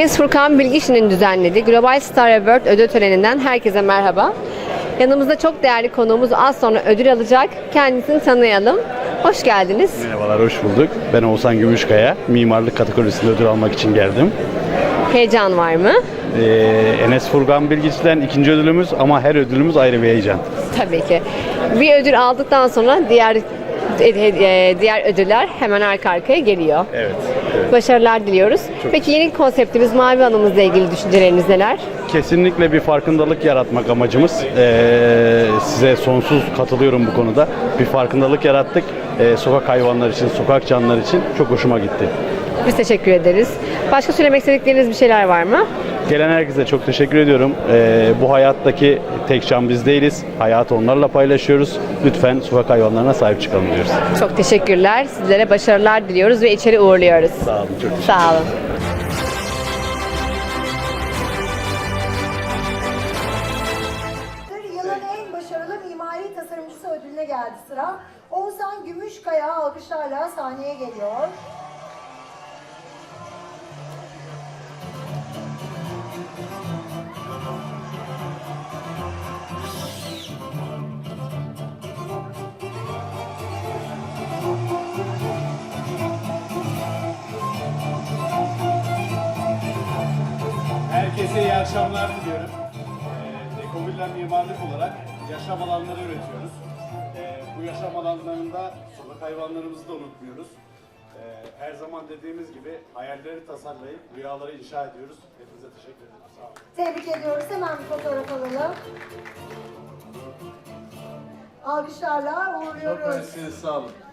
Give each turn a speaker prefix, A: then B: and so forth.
A: Enes Furkan Bilgiç'in düzenlediği Global Star Award ödül töreninden herkese merhaba. Yanımızda çok değerli konuğumuz az sonra ödül alacak. Kendisini tanıyalım. Hoş geldiniz.
B: Merhabalar, hoş bulduk. Ben Oğuzhan Gümüşkaya. Mimarlık kategorisinde ödül almak için geldim.
A: Heyecan var mı?
B: Enes Furkan Bilgiç'ten ikinci ödülümüz ama her ödülümüz ayrı bir heyecan.
A: Tabii ki. Bir ödül aldıktan sonra diğer ödüller hemen arka arkaya geliyor.
B: Evet.
A: Başarılar diliyoruz. Peki yeni konseptimiz Mavi Anımızla ilgili düşünceleriniz neler?
B: Kesinlikle bir farkındalık yaratmak amacımız. Size sonsuz katılıyorum bu konuda. Bir farkındalık yarattık. Sokak hayvanları için, sokak canlıları için çok hoşuma gitti.
A: Biz teşekkür ederiz. Başka söylemek istedikleriniz bir şeyler var mı?
B: Gelen herkese çok teşekkür ediyorum. Bu hayattaki tek can biz değiliz. Hayatı onlarla paylaşıyoruz. Lütfen sokak hayvanlarına sahip çıkalım diyoruz.
A: Çok teşekkürler. Sizlere başarılar diliyoruz ve içeri uğurluyoruz.
B: Sağ olun, çok teşekkür ederim.
A: Sağ olun.
C: Yılın en başarılı mimari tasarımcısı ödülüne geldi sıra. Oğuzhan Gümüşkaya alkışlarla sahneye geliyor.
D: Herkese iyi akşamlar diliyorum. Dekovillen mimarlık olarak yaşam alanları üretiyoruz. Bu yaşam alanlarında sokak hayvanlarımızı da unutmuyoruz. Her zaman dediğimiz gibi hayalleri tasarlayıp rüyaları inşa ediyoruz. Hepinize teşekkür ederim. Sağ olun.
C: Tebrik ediyoruz. Hemen bir fotoğraf alalım. Alkışlarla
D: Çok
C: uğurluyoruz.
D: mersi, sağ olun.